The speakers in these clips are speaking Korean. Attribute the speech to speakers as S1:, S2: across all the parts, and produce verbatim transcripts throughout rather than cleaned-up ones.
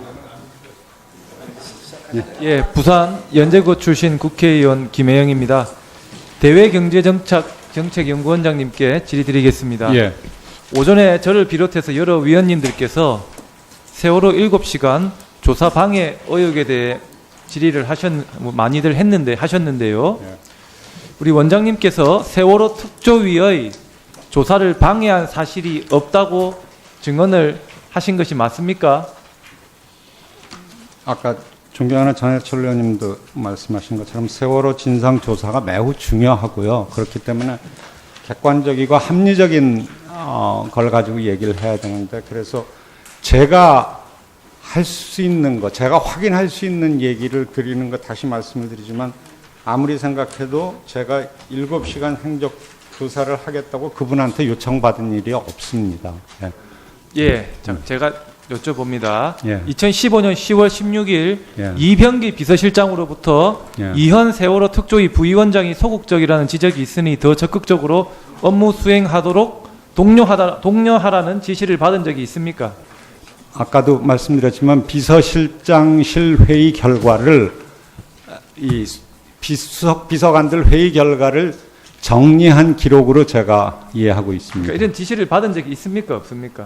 S1: 예, 부산 연제구 출신 국회의원 김혜영입니다. 대외경제정책연구원장님께 질의드리겠습니다.
S2: 예.
S1: 오전에 저를 비롯해서 여러 위원님들께서 세월호 일곱 시간 조사 방해 의혹에 대해 질의를 하셨, 뭐 많이들 했는데, 하셨는데요.
S2: 예.
S1: 우리 원장님께서 세월호 특조위의 조사를 방해한 사실이 없다고 증언을 하신 것이 맞습니까?
S2: 아까 존경하는 전해철 의원님도 말씀하신 것처럼 세월호 진상조사가 매우 중요하고요. 그렇기 때문에 객관적이고 합리적인 어, 걸 가지고 얘기를 해야 되는데, 그래서 제가 할 수 있는 것, 제가 확인할 수 있는 얘기를 드리는 것 다시 말씀을 드리지만, 아무리 생각해도 제가 일곱 시간 행적 조사를 하겠다고 그분한테 요청받은 일이 없습니다. 예,
S1: 예, 자, 제가 여쭤봅니다.
S2: 예.
S1: 이천십오년 시월 십육일
S2: 예.
S1: 이병기 비서실장으로부터
S2: 예.
S1: 이현 세월호 특조위 부위원장이 소극적이라는 지적이 있으니 더 적극적으로 업무 수행하도록 독려하다, 독려하라는 지시를 받은 적이 있습니까?
S2: 아까도 말씀드렸지만 비서실장실 회의 결과를 이 비수석 비서관들 회의 결과를 정리한 기록으로 제가 이해하고 있습니다.
S1: 그러니까 이런 지시를 받은 적이 있습니까? 없습니까?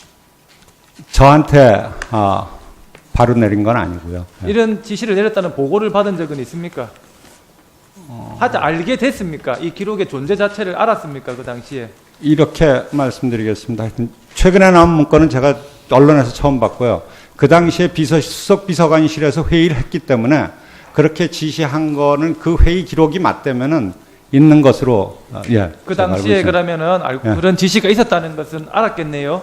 S2: 저한테 아, 바로 내린 건 아니고요. 네.
S1: 이런 지시를 내렸다는 보고를 받은 적은 있습니까?
S2: 어...
S1: 하자 알게 됐습니까? 이 기록의 존재 자체를 알았습니까? 그 당시에?
S2: 이렇게 말씀드리겠습니다. 하여튼 최근에 나온 문건은 제가 언론에서 처음 봤고요. 그 당시에 비서, 수석 비서관실에서 회의를 했기 때문에 그렇게 지시한 거는 그 회의 기록이 맞다면은 있는 것으로, 예.
S1: 그 당시에 그러면은 알고
S2: 예.
S1: 그런 지시가 있었다는 것은 알았겠네요.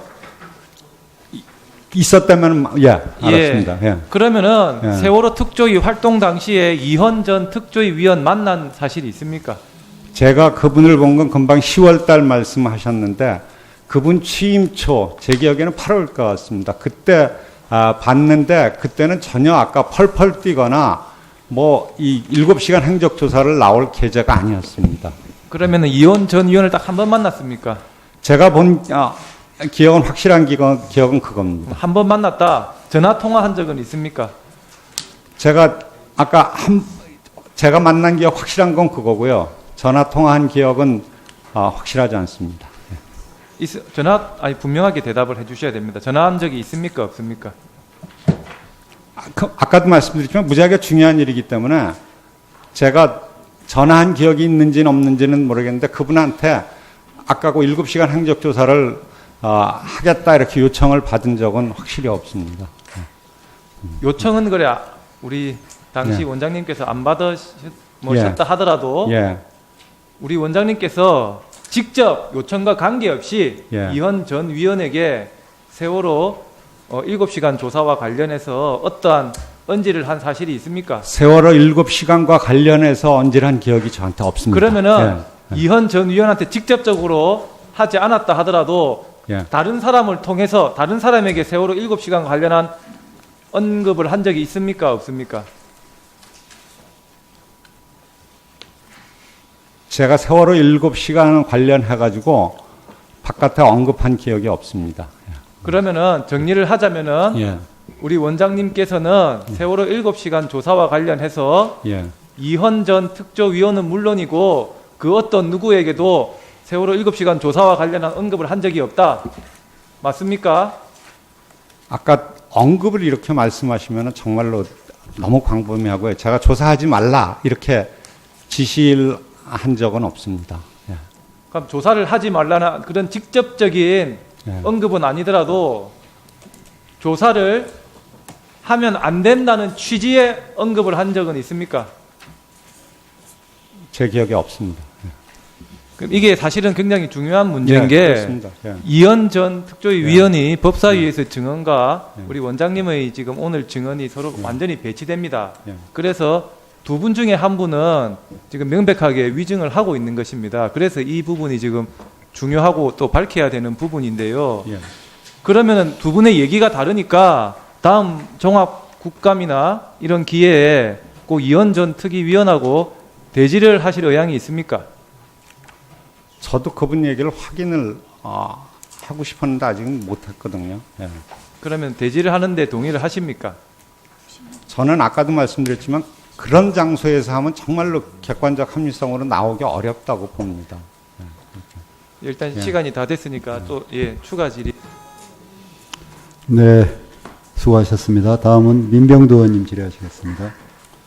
S2: 있었다면, 예, 알았습니다. 예.
S1: 그러면은
S2: 예.
S1: 세월호 특조위 활동 당시에 이현 전 특조위 위원 만난 사실이 있습니까?
S2: 제가 그분을 본 건 금방 시월 달 말씀하셨는데, 그분 취임 초, 제 기억에는 팔월 것 같습니다. 그때 아, 봤는데 그때는 전혀 아까 펄펄 뛰거나 뭐 이 일곱 시간 행적 조사를 나올 계제가 아니었습니다.
S1: 그러면은 이현 전 위원을 딱 한 번 만났습니까?
S2: 제가 본 아, 기억은 확실한 기억은, 기억은 그겁니다.
S1: 한 번 만났다. 전화 통화한 적은 있습니까?
S2: 제가 아까 한 제가 만난 기억 확실한 건 그거고요. 전화 통화한 기억은 아, 확실하지 않습니다.
S1: 있, 전화 아니 분명하게 대답을 해주셔야 됩니다. 전화한 적이 있습니까? 없습니까?
S2: 아, 그, 아까도 말씀드렸지만 무지하게 중요한 일이기 때문에 제가 전화한 기억이 있는지는 없는지는 모르겠는데 그분한테 아까 그 일곱 시간 행적 조사를 어, 하겠다 이렇게 요청을 받은 적은 확실히 없습니다.
S1: 요청은 그래 우리 당시
S2: 예.
S1: 원장님께서 안 받으셨다 뭐
S2: 예.
S1: 하더라도
S2: 예.
S1: 우리 원장님께서 직접 요청과 관계없이
S2: 예.
S1: 이현 전 위원에게 세월호 어, 일곱 시간 조사와 관련해서 어떠한 언지를 한 사실이 있습니까?
S2: 세월호 일곱 시간과 관련해서 언질한 기억이 저한테 없습니다.
S1: 그러면은
S2: 예.
S1: 이현 전 위원한테 직접적으로 하지 않았다 하더라도
S2: 예.
S1: 다른 사람을 통해서 다른 사람에게 세월호 일곱 시간 관련한 언급을 한 적이 있습니까? 없습니까?
S2: 제가 세월호 일곱 시간 관련해가지고 바깥에 언급한 기억이 없습니다.
S1: 그러면은 정리를 하자면은
S2: 예.
S1: 우리 원장님께서는 세월호 일곱 시간 조사와 관련해서
S2: 예.
S1: 이현 전 특조위원은 물론이고 그 어떤 누구에게도 세월호 일곱 시간 조사와 관련한 언급을 한 적이 없다. 맞습니까?
S2: 아까 언급을 이렇게 말씀하시면 정말로 너무 광범위하고요. 제가 조사하지 말라 이렇게 지시를 한 적은 없습니다. 예.
S1: 그럼 조사를 하지 말라는 그런 직접적인
S2: 예.
S1: 언급은 아니더라도 조사를 하면 안 된다는 취지의 언급을 한 적은 있습니까?
S2: 제 기억에 없습니다.
S1: 그럼 이게 사실은 굉장히 중요한 문제인
S2: 예,
S1: 게
S2: 그렇습니다. 예.
S1: 이현 전 특조위
S2: 예.
S1: 위원이 법사위에서 증언과
S2: 예.
S1: 우리 원장님의 지금 오늘 증언이 서로
S2: 예.
S1: 완전히 배치됩니다.
S2: 예.
S1: 그래서 두 분 중에 한 분은 지금 명백하게 위증을 하고 있는 것입니다. 그래서 이 부분이 지금 중요하고 또 밝혀야 되는 부분인데요.
S2: 예.
S1: 그러면은 두 분의 얘기가 다르니까 다음 종합 국감이나 이런 기회에 꼭 이현 전 특위위원하고 대지를 하실 의향이 있습니까?
S2: 저도 그분 얘기를 확인을 어, 하고 싶었는데 아직은 못했거든요. 예.
S1: 그러면 대지를 하는데 동의를 하십니까?
S2: 저는 아까도 말씀드렸지만 그런 장소에서 하면 정말로 객관적 합리성으로 나오기 어렵다고 봅니다.
S1: 일단
S2: 예.
S1: 시간이 다 됐으니까 또 예, 추가 질의.
S3: 네, 수고하셨습니다. 다음은 민병두 의원님 질의하시겠습니다.